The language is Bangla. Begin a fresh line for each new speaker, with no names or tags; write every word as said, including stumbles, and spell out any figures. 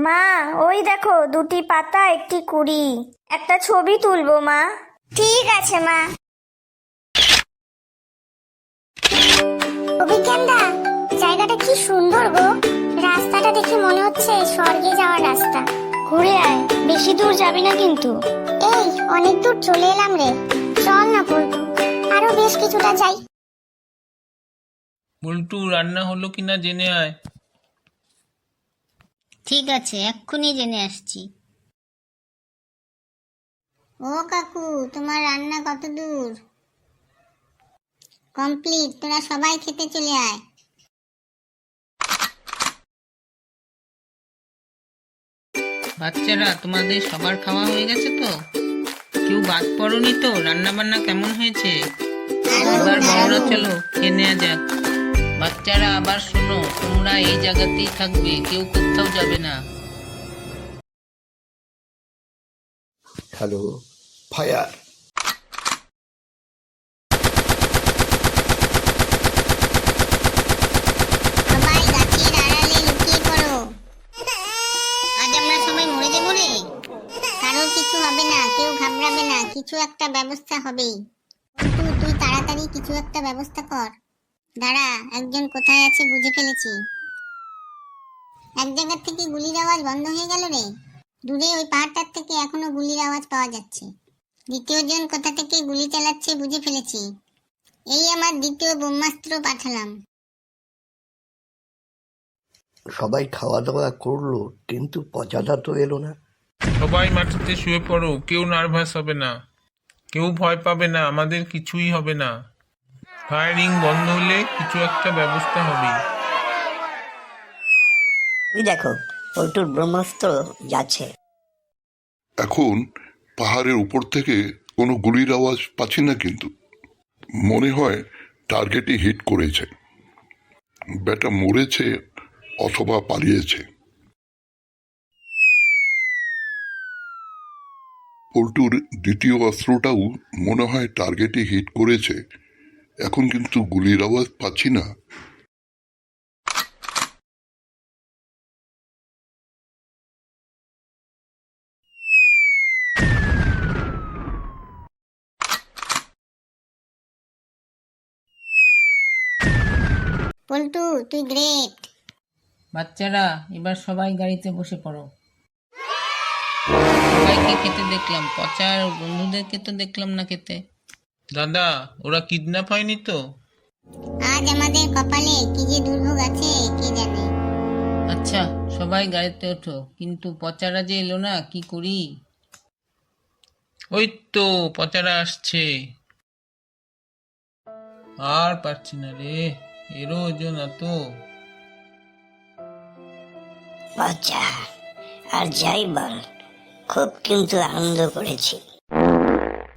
মা, ওই দেখো দুটি পাতা একটি কুড়ি, একটা ছবি তুলবো মা। ঠিক আছে মা। অভিজ্ঞানদা, জায়গাটা কি সুন্দর গো। রাস্তাটা দেখে মনে হচ্ছে স্বর্গে যাওয়ার রাস্তা। ঘুরে আয়, বেশি দূর যাবি না কিন্তু। এই অনেক দূর চলে এলাম রে, চল না পল্টু, আরো বেশ কিছুটা যাই।
বল্টু, রান্না হলো কিনা জেনে আয়।
ঠিক আছে, এক্ষুনি জেনে আসছি। ও কাকু, তোমার রান্না কত দূর? কমপ্লিট, তোরা সবাই খেতে চলে আয়।
বাচ্চারা, তোমাদের সবার খাওয়া হয়ে গেছে তো? কেউ বাদ পড়নি তো? রান্না বান্না কেমন হয়েছে? এবার বড়রা চলো খেয়ে নেওয়া যাক। বাচ্চারা আবার শোনো, তোমরা এই জায়গাতেই থাকবে, কেউ কোথাও যাবে না।
Hello, fire.
সবাই গাছের আড়ালে লুকিয়ে পড়ো। আজ আমরা সবাই মরে যাবো রে। কারোর কিছু হবে না, কেউ ঘাবড়াবে না, কিছু একটা ব্যবস্থা হবেই। কিন্তু তুই তাড়াতাড়ি কিছু একটা ব্যবস্থা কর। দাঁড়া, একজন কোথায় আছে বুঝে ফেলেছি। এক জায়গা থেকে গুলির আওয়াজ বন্ধ হয়ে গেল রে। দূরে ওই পাহাড়টার থেকে এখনো গুলির আওয়াজ পাওয়া যাচ্ছে। দ্বিতীয় জন কোথা থেকে গুলি চালাচ্ছে বুঝে ফেলেছি। এই আমার দ্বিতীয় ব্রহ্মাস্ত্র পাঠালাম।
সবাই খাওয়া দাওয়া করলো, কিন্তু পচাদা তো এলো না।
সবাই মাটিতে শুয়ে পড়ো, কেউ নার্ভাস হবে না, কেউ ভয় পাবে না, আমাদের কিছুই হবে না। ফায়ারিং বন্ধ হলে কিছু একটা ব্যবস্থা হবে।
ওই দেখো, পল্টুর ব্রহ্মাস্ত্র যাচ্ছে।
এখন পাহাড়ের উপর থেকে কোনো গুলির আওয়াজ পাচ্ছি না, কিন্তু মনে হয় টার্গেটই হিট করেছে। ব্যাটা মরেছে অথবা পালিয়েছে। পল্টুর দ্বিতীয় অস্ত্রটাও মনে হয় টার্গেটই হিট করেছে। এখন কিন্তু গুলির আওয়াজ পাচ্ছি না।
পল্টু, তুই গ্রেট।
বাচ্চারা, এবার সবাই গাড়িতে বসে পড়ো। সবাইকে খেতে দেখলাম, পচার বন্ধুদেরকে তো দেখলাম না খেতে। দাদা, ওরা কিডন্যাপ হয়নি তো?
আজ আমাদের কপালে কি যে দুর্ভোগ আছে কে জানে।
আচ্ছা, সবাই গাড়িতে ওঠো, কিন্তু পচারা যে এলো না, কি করি? ওই তো পচারা আসছে। আর পারছি না রে, এরও ওজন এত।
বাচ্চা, আর যাই বল, খুব কিন্তু আনন্দ করেছি।